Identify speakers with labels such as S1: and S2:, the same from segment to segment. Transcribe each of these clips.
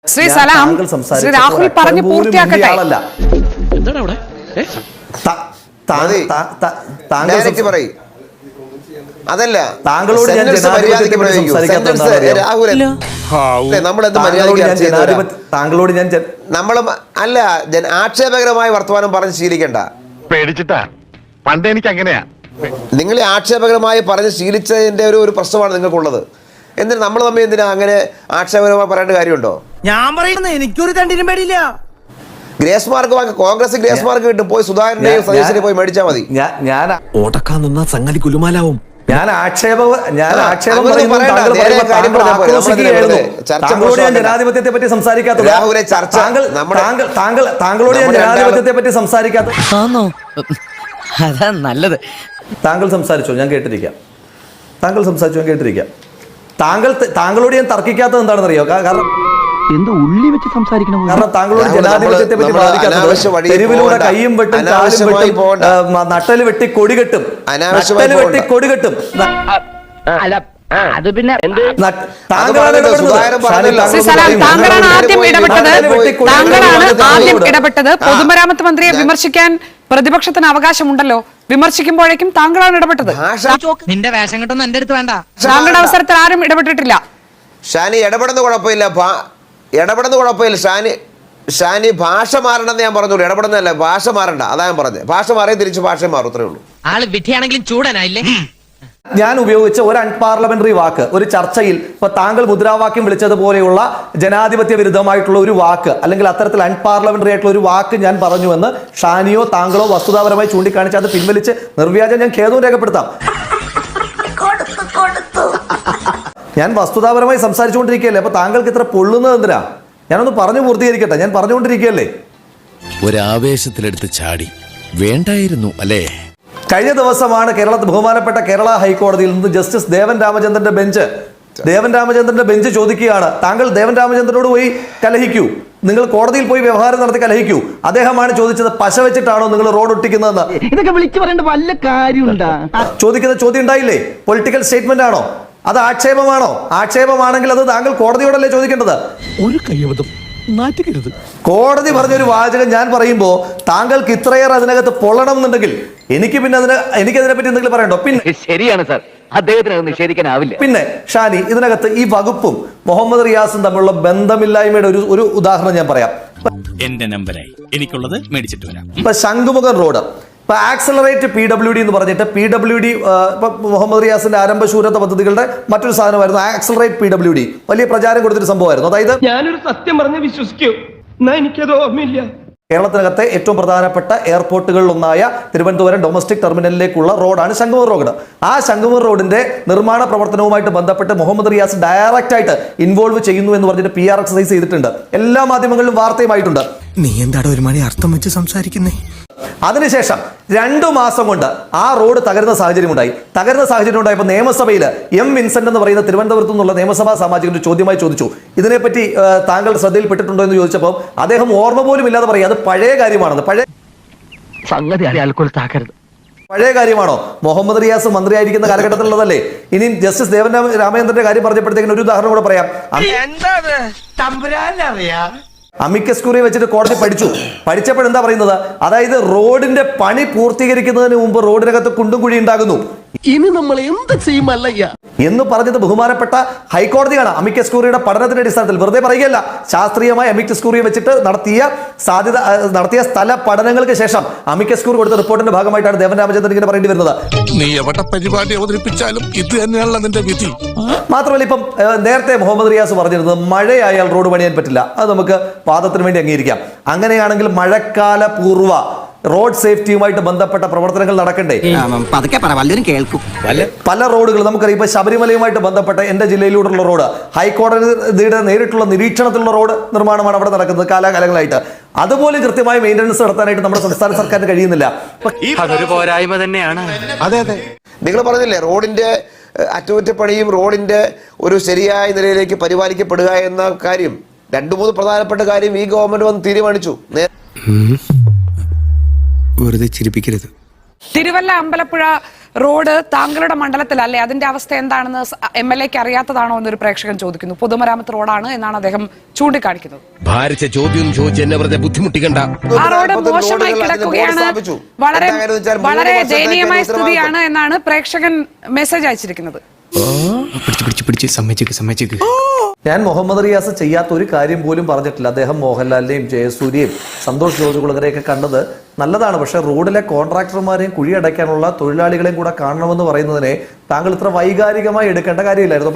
S1: ശ്രീ സലാം, ശ്രീ രാഹുൽ പറഞ്ഞു പൂർത്തിയാക്കട്ടെ.
S2: അതല്ല,
S3: താങ്കളോട് ഞാൻ
S2: അല്ല ആക്ഷേപകരമായ വർത്തമാനം പറഞ്ഞ് ശീലിക്കണ്ട.
S4: പേടിച്ചിട്ടാ പണ്ട് എനിക്ക് അങ്ങനെയാ.
S2: നിങ്ങൾ ആക്ഷേപകരമായി പറഞ്ഞ് ശീലിച്ചതിന്റെ ഒരു പ്രശ്നമാണ് നിങ്ങൾക്കുള്ളത്. എന്തിനാ നമ്മൾ തമ്മിൽ എന്തിനാ അങ്ങനെ ആക്ഷേപകരമായി പറയേണ്ട കാര്യമുണ്ടോ?
S5: ഞാൻ പറയുന്നത് എനിക്കൊരു തണ്ടിനും പേടിയില്ല.
S2: Grace mark Congress grace mark കിട്ടും. പോയി സുധാകരന്റെയും സതീശിനെയും പോയി മേടിച്ചാൽ മതി.
S5: ഓടക്കാൻ നിന്നാ സംഗതി കുലുമാലാവും.
S3: ജനാധിപത്യത്തെ പറ്റി സംസാരിക്കാത്തത് താങ്കളോട് ഞാൻ ജനാധിപത്യത്തെ പറ്റി സംസാരിക്കാത്ത
S5: അതാ നല്ലത്.
S3: താങ്കൾ സംസാരിച്ചോ, ഞാൻ കേട്ടിരിക്കാം. താങ്കളോട് ഞാൻ തർക്കിക്കാത്തത് എന്താണെന്ന് അറിയോ? കാരണം
S5: എന്ത് ഉള്ളി വെച്ച് സംസാരിക്കണം.
S3: കാരണം താങ്കളോട് ജനാധിപത്യത്തെ പറ്റി ബാധിക്കാത്തത് തെരുവിലൂടെ കയ്യും വെട്ടും കാലും വെട്ടും നട്ടല് വെട്ടി കൊടികെട്ടും
S1: അത് പിന്നെ താങ്കളാണ് ആദ്യം ഇടപെട്ടത്. പൊതുമരാമത്ത് മന്ത്രിയെ വിമർശിക്കാൻ പ്രതിപക്ഷത്തിന് അവകാശമുണ്ടല്ലോ. വിമർശിക്കുമ്പോഴേക്കും താങ്കളാണ് ഇടപെട്ടത്.
S5: നിന്റെ വേഷം കിട്ടൊന്നും എന്റെ അടുത്ത് വേണ്ട.
S1: താങ്കളുടെ അവസരത്തിൽ ആരും ഇടപെട്ടിട്ടില്ല.
S2: ഷാനി ഇടപെടുന്ന കുഴപ്പമില്ല. ഷാനി ഭാഷ മാറണമെന്ന് ഞാൻ പറഞ്ഞോളൂ. ഇടപെടുന്നതല്ല, ഭാഷ മാറണ്ട. അതാ ഞാൻ പറഞ്ഞത്. ഭാഷ മാറിയ തിരിച്ച് ഭാഷ മാറും, അത്രേ ഉള്ളൂ.
S5: ആള് വിധിയാണെങ്കിലും ചൂടനായില്ലേ.
S3: ഞാൻ ഉപയോഗിച്ച ഒരു അൺപാർലമെന്ററി വാക്ക് ഒരു ചർച്ചയിൽ ഇപ്പൊ താങ്കൾ മുദ്രാവാക്യം വിളിച്ചതുപോലെയുള്ള ജനാധിപത്യ വിരുദ്ധമായിട്ടുള്ള ഒരു വാക്ക്, അല്ലെങ്കിൽ അത്തരത്തിൽ അൺപാർലമെന്ററി ആയിട്ടുള്ള ഒരു വാക്ക് ഞാൻ പറഞ്ഞുവെന്ന് ഷാനിയോ താങ്കളോ വസ്തുതാപരമായി ചൂണ്ടിക്കാണിച്ച് അത് പിൻവലിച്ച് നിർവ്യാജം ഞാൻ ഖേദവും രേഖപ്പെടുത്താം. ഞാൻ വസ്തുതാപരമായി സംസാരിച്ചുകൊണ്ടിരിക്കുകയല്ലേ. അപ്പൊ താങ്കൾക്ക് ഇത്ര പൊള്ളുന്നത് എന്തിനാ? ഞാനൊന്ന് പറഞ്ഞു പൂർത്തീകരിക്കട്ടെ. ഞാൻ പറഞ്ഞുകൊണ്ടിരിക്കുകയല്ലേ.
S6: ഒരാവേശത്തിലെടുത്ത് ചാടി വേണ്ടായിരുന്നു അല്ലേ?
S3: കഴിഞ്ഞ ദിവസമാണ് ബഹുമാനപ്പെട്ട കേരള ഹൈക്കോടതിയിൽ നിന്ന് ജസ്റ്റിസ് ദേവൻ രാമചന്ദ്രന്റെ ബെഞ്ച് ചോദിക്കുകയാണ്, താങ്കൾ ദേവൻ രാമചന്ദ്രനോട് പോയി കലഹിക്കൂ, നിങ്ങൾ കോടതിയിൽ പോയി വ്യവഹാരം നടത്തി കലഹിക്കൂ. അദ്ദേഹമാണ് ചോദിച്ചത്, പശ വെച്ചിട്ടാണോ നിങ്ങൾ റോഡ് ഒട്ടിക്കുന്നതെന്ന്.
S5: ഇതൊക്കെ വിളിച്ചു പറയേണ്ട വല്ല കാര്യമുണ്ടാ?
S3: ചോദിക്കുന്ന ചോദ്യം ഉണ്ടായില്ലേ? പൊളിറ്റിക്കൽ സ്റ്റേറ്റ്മെന്റ് ആണോ? അത് ആക്ഷേപമാണോ? ആക്ഷേപമാണെങ്കിൽ അത് താങ്കൾ കോടതിയോടല്ലേ ചോദിക്കേണ്ടത്.
S6: ഒരു കയ്യബദ്ധം നാറ്റുകരുത്.
S3: കോടതി പറഞ്ഞൊരു വാചകം ഞാൻ പറയുമ്പോൾ താങ്കൾക്ക് ഇത്രയേറെ അതിനകത്ത് പൊള്ളണം എന്നുണ്ടെങ്കിൽ എനിക്കതിനെപ്പറ്റി എന്തെങ്കിലും പറയണ്ടോ? പിന്നെ
S7: ശരിയാണ് സാർ, അദ്ദേഹത്തിന് നിഷേധിക്കാനാവില്ല.
S3: പിന്നെ ഷാനി, ഇതിനകത്ത് ഈ വകുപ്പും മുഹമ്മദ് റിയാസും തമ്മിലുള്ള ബന്ധമില്ലായ്മയുടെ ഒരു ഉദാഹരണം ഞാൻ പറയാം.
S6: എന്റെ നമ്പറായി എനിക്കുള്ളത് മേടിച്ചിട്ട് വരാം.
S3: ഇപ്പൊ ശംഖുമുഖം റോഡ്, ഇപ്പൊ ആക്സലറേറ്റ് PWD എന്ന് പറഞ്ഞിട്ട് PWD ഇപ്പൊ മുഹമ്മദ് റിയാസിന്റെ ആരംഭശൂരത പദ്ധതികളുടെ മറ്റൊരു സാധനമായിരുന്നു ആക്സലറേറ്റ് PWD. വലിയ പ്രചാരം കൊടുത്തൊരു സംഭവമായിരുന്നു. അതായത്
S8: ഞാനൊരു സത്യം പറഞ്ഞ് വിശ്വസിക്കൂ, എന്നാ എനിക്കത് ഓർമ്മയില്ല.
S3: കേരളത്തിനകത്തെ ഏറ്റവും പ്രധാനപ്പെട്ട എയർപോർട്ടുകളിൽ ഒന്നായ തിരുവനന്തപുരം ഡൊമസ്റ്റിക് ടെർമിനലിലേക്കുള്ള റോഡാണ് ശംഖുമുഖം റോഡ്. ആ ശംഖുമുഖം റോഡിന്റെ നിർമ്മാണ പ്രവർത്തനവുമായിട്ട് ബന്ധപ്പെട്ട് മുഹമ്മദ് റിയാസ് ഡയറക്റ്റ് ആയിട്ട് ഇൻവോൾവ് ചെയ്യുന്നു എന്ന് പറഞ്ഞിട്ട് PR എക്സസൈസ് ചെയ്തിട്ടുണ്ട്. എല്ലാ മാധ്യമങ്ങളിലും വാർത്തയുമായിട്ടുണ്ട്.
S6: നീ എന്താണ് ഒരു മണി അർത്ഥം വെച്ച് സംസാരിക്കുന്നേ?
S3: അതിനുശേഷം 2 മാസം കൊണ്ട് ആ റോഡ് തകരുന്ന സാഹചര്യം ഉണ്ടായപ്പോൾ നിയമസഭയിൽ M. വിൻസെന്റ് എന്ന് പറയുന്ന തിരുവനന്തപുരത്തു നിന്നുള്ള നിയമസഭാ സാമാജികന്റെ ചോദ്യമായി ചോദിച്ചു, ഇതിനെപ്പറ്റി താങ്കൾ ശ്രദ്ധയിൽപ്പെട്ടിട്ടുണ്ടോ എന്ന് ചോദിച്ചപ്പോൾ അദ്ദേഹം ഓർമ്മ പോലും ഇല്ലാതെ പറയും അത് പഴയ കാര്യമാണെന്ന്. പഴയ കാര്യമാണോ? മുഹമ്മദ് റിയാസ് മന്ത്രിയായിരിക്കുന്ന കാലഘട്ടത്തിലുള്ളതല്ലേ. ഇനി ജസ്റ്റിസ് ദേവൻ രാമചന്ദ്രന്റെ കാര്യം പറഞ്ഞപ്പോഴത്തേക്കും ഒരു ഉദാഹരണം കൂടെ പറയാം. അമിക്കസ് ക്യൂറി വെച്ചിട്ട് കോടതി പഠിച്ചപ്പോൾ എന്താ പറയുന്നത്? അതായത് റോഡിന്റെ പണി പൂർത്തീകരിക്കുന്നതിന് മുമ്പ് റോഡിനകത്ത് കുണ്ടും കുഴി ഉണ്ടാകുന്നു.
S5: ഇനി നമ്മൾ എന്ത് ചെയ്യുമല്ലയ്യ
S3: എന്ന് പറഞ്ഞത് ബഹുമാനപ്പെട്ട ഹൈക്കോടതിയാണ്. അമിക്കസ് ക്യൂറിയുടെ പഠനത്തിന്റെ അടിസ്ഥാനത്തിൽ, വെറുതെ പറയുകയല്ല, ശാസ്ത്രീയമായി അമിക്കസ് ക്യൂറിയെ വെച്ചിട്ട് നടത്തിയ സ്ഥല പഠനങ്ങൾക്ക് ശേഷം അമിക്കസ് ക്യൂറി കൊടുത്ത റിപ്പോർട്ടിന്റെ ഭാഗമായിട്ടാണ് ദേവൻ രാമചന്ദ്രൻ ഇങ്ങനെ പറയേണ്ടി വരുന്നത്.
S6: നീ എവിടെ പരിപാടി അവതരിപ്പിച്ചാലും ഇത് തന്നെയാണല്ലോ നിന്റെ വിധി.
S3: മാത്രമല്ല, ഇപ്പം നേരത്തെ മുഹമ്മദ് റിയാസ് പറഞ്ഞിരുന്നത് മഴയായാൽ റോഡ് പണിയാൻ പറ്റില്ല. അത് നമുക്ക് വാദത്തിന് വേണ്ടി അംഗീകരിക്കാം. അങ്ങനെയാണെങ്കിൽ മഴക്കാല പൂർവ്വ റോഡ് സേഫ്റ്റിയുമായിട്ട് ബന്ധപ്പെട്ട പ്രവർത്തനങ്ങൾ നടക്കണ്ടേ? പല റോഡുകൾ നമുക്കറിയാം. ഇപ്പൊ ശബരിമലയുമായിട്ട് ബന്ധപ്പെട്ട എന്റെ ജില്ലയിലൂടെയുള്ള റോഡ് ഹൈക്കോടതിയുടെ നേരിട്ടുള്ള നിരീക്ഷണത്തിലുള്ള റോഡ് നിർമ്മാണമാണ് അവിടെ നടക്കുന്നത് കാലാകാലങ്ങളായിട്ട്. അതുപോലെ കൃത്യമായി മെയിൻ്റനൻസ് നടത്താനായിട്ട് നമ്മുടെ സംസ്ഥാന സർക്കാരിന് കഴിയുന്നില്ല.
S7: അതൊരു പോരായ്മ തന്നെയാണ്.
S2: അതെ, നിങ്ങൾ പറഞ്ഞില്ലേ റോഡിന്റെ അറ്റകുറ്റപ്പണിയും റോഡിന്റെ ഒരു ശരിയായ നിലയിലേക്ക് പരിപാലിക്കപ്പെടുക എന്ന കാര്യം. 2-3 പ്രധാനപ്പെട്ട കാര്യം ഈ ഗവൺമെന്റ് വന്ന് തീരുമാനിച്ചു.
S6: വെറുതെ ചിരിപ്പിക്കരുത്.
S1: തിരുവല്ല അമ്പലപ്പുഴ റോഡ് താങ്കളുടെ മണ്ഡലത്തിലല്ലേ, അതിന്റെ അവസ്ഥ എന്താണെന്ന് MLA-ക്ക് അറിയാത്തതാണോ എന്നൊരു പ്രേക്ഷകൻ ചോദിക്കുന്നു. പൊതുമരാമത്ത് റോഡാണ് എന്നാണ് അദ്ദേഹം ചൂണ്ടിക്കാണിക്കുന്നത്.
S6: ഭാരിച്ച ചോദ്യം ചോദിച്ച് എന്നെ വെറുതെ ബുദ്ധിമുട്ടിക്കണ്ട.
S1: ആ റോഡ് മോശമായി കിടക്കുകയാണ്, വളരെ ദയനീയമായ സ്ഥിതിയാണ് എന്നാണ് പ്രേക്ഷകൻ മെസ്സേജ് അയച്ചിരിക്കുന്നത്.
S3: ഞാൻ മുഹമ്മദ് റിയാസ് ചെയ്യാത്ത ഒരു കാര്യം പോലും പറഞ്ഞിട്ടില്ല. അദ്ദേഹം മോഹൻലാലിനെയും ജയസൂര്യയും സന്തോഷ് ജോർജ് കുളങ്ങരെയൊക്കെ കണ്ടത് നല്ലതാണ്. പക്ഷെ റോഡിലെ കോൺട്രാക്ടർമാരെയും കുഴിയടയ്ക്കാനുള്ള തൊഴിലാളികളെയും കൂടെ കാണണമെന്ന് പറയുന്നതിനെ താങ്കൾ ഇത്ര വൈകാരികമായി എടുക്കേണ്ട കാര്യമില്ലായിരുന്നു.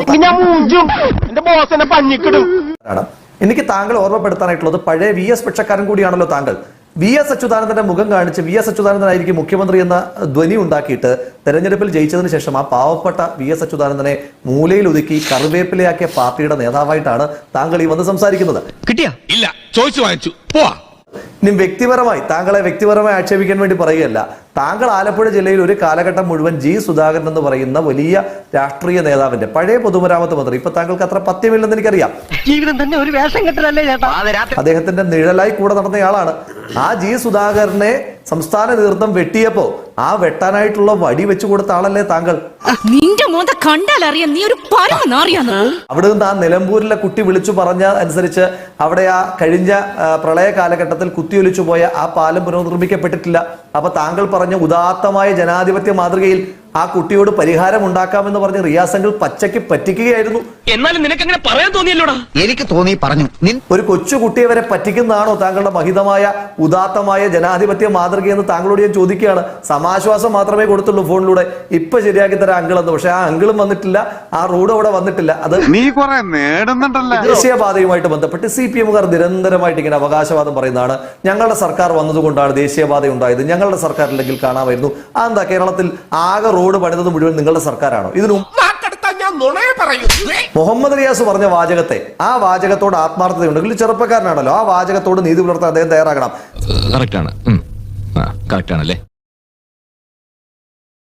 S3: എനിക്ക് താങ്കൾ ഓർമ്മപ്പെടുത്താനായിട്ടുള്ളത് പഴയ VS പക്ഷക്കാരൻ കൂടിയാണല്ലോ താങ്കൾ. VS അച്യുതാനന്ദന്റെ മുഖം കാണിച്ച് VS അച്യുതാനന്ദനായിരിക്കും മുഖ്യമന്ത്രി എന്ന ധ്വനി ഉണ്ടാക്കിയിട്ട് തെരഞ്ഞെടുപ്പിൽ ജയിച്ചതിന് ശേഷം ആ പാവപ്പെട്ട VS അച്യുതാനന്ദനെ മൂലയിൽ ഒതുക്കി കറിവേപ്പിലയാക്കിയ പാർട്ടിയുടെ നേതാവായിട്ടാണ് താങ്കൾ ഈ വന്ന് സംസാരിക്കുന്നത്.
S5: കിട്ടിയാ
S6: ഇല്ല, ചോദിച്ചു വാങ്ങിച്ചു, പോവാ.
S3: ഇനി താങ്കളെ വ്യക്തിപരമായി ആക്ഷേപിക്കാൻ വേണ്ടി പറയുകയല്ല. താങ്കൾ ആലപ്പുഴ ജില്ലയിൽ ഒരു കാലഘട്ടം മുഴുവൻ G. സുധാകരൻ എന്ന് പറയുന്ന വലിയ രാഷ്ട്രീയ നേതാവിന്റെ പഴയ പൊതുമരാമത്ത് മന്ത്രി, ഇപ്പൊ താങ്കൾക്ക് അത്ര പത്യമില്ലെന്ന് എനിക്കറിയാം.
S5: ജീവിതം തന്നെ ഒരു വേഷം കെട്ടലല്ലേ ചേട്ടാ.
S3: അദ്ദേഹത്തിന്റെ നിഴലായി കൂടെ നടന്നയാളാണ്. ആ G. സുധാകരനെ സംസ്ഥാന നേതൃത്വം വെട്ടിയപ്പോ ആ വെട്ടാനായിട്ടുള്ള വടി വെച്ചു കൊടുത്ത ആളല്ലേ താങ്കൾ?
S9: നിന്റെ മോന്ത കണ്ടാലറിയാം നീ ഒരു പരമനാറിയാന്ന്.
S3: അവിടെ നിന്ന് ആ നിലമ്പൂരിലെ കുട്ടി വിളിച്ചു പറഞ്ഞ അനുസരിച്ച് അവിടെ ആ കഴിഞ്ഞ പ്രളയ കാലഘട്ടത്തിൽ കുത്തിയൊലിച്ചു പോയ ആ പാലം പുനർനിർമ്മിക്കപ്പെട്ടിട്ടില്ല. അപ്പൊ താങ്കൾ പറഞ്ഞ ഉദാത്തമായ ജനാധിപത്യ മാതൃകയിൽ ആ കുട്ടിയോട് പരിഹാരം ഉണ്ടാക്കാമെന്ന് പറഞ്ഞ് റിയാസംഗിൾ പച്ചയ്ക്ക് പറ്റിക്കുകയായിരുന്നു.
S5: എന്നാലും നിനക്ക് അങ്ങനെ പറയാൻ തോന്നിയല്ലോടാ.
S7: എനിക്ക് തോന്നി പറഞ്ഞു.
S3: ഒരു കൊച്ചു കുട്ടിയെ വരെ പറ്റിക്കുന്നതാണോ താങ്കളുടെ മഹിതമായ ഉദാത്തമായ ജനാധിപത്യ മാതൃകയെന്ന് താങ്കളോട് ഞാൻ ചോദിക്കുകയാണ്. സമാശ്വാസം മാത്രമേ കൊടുത്തുള്ളൂ ഫോണിലൂടെ, ഇപ്പൊ ശരിയാക്കി തരാം അങ്കിൾ എന്ന്. പക്ഷെ ആ അങ്കിളും വന്നിട്ടില്ല, ആ റോഡ് അവിടെ വന്നിട്ടില്ല. അത്
S4: നീ കുറെ നേടുന്നുണ്ടല്ലോ.
S3: ദേശീയപാതയുമായിട്ട് ബന്ധപ്പെട്ട് CPM-കാർ നിരന്തരമായിട്ട് ഇങ്ങനെ അവകാശവാദം പറയുന്നതാണ്. ഞങ്ങളുടെ സർക്കാർ വന്നതുകൊണ്ടാണ് ദേശീയപാത ഉണ്ടായത്, ഞങ്ങളുടെ സർക്കാർ ഇല്ലെങ്കിൽ കാണാമായിരുന്നു. എന്താ കേരളത്തിൽ ആകെ റോഡ് പണിതത് മുഴുവൻ നിങ്ങളുടെ സർക്കാരാണോ? ഇതിനും മുഹമ്മദ് റിയാസ് പറഞ്ഞ വാചകത്തെ, ആ വാചകത്തോട് ആത്മാർത്ഥതയുണ്ടെങ്കിൽ ചെറുപ്പക്കാരനാണല്ലോ, ആ വാചകത്തോട് നീതി പുലർത്താൻ അദ്ദേഹം തയ്യാറാകണം.
S7: കറക്റ്റ് ആണ്, കറക്റ്റ് ആണല്ലേ.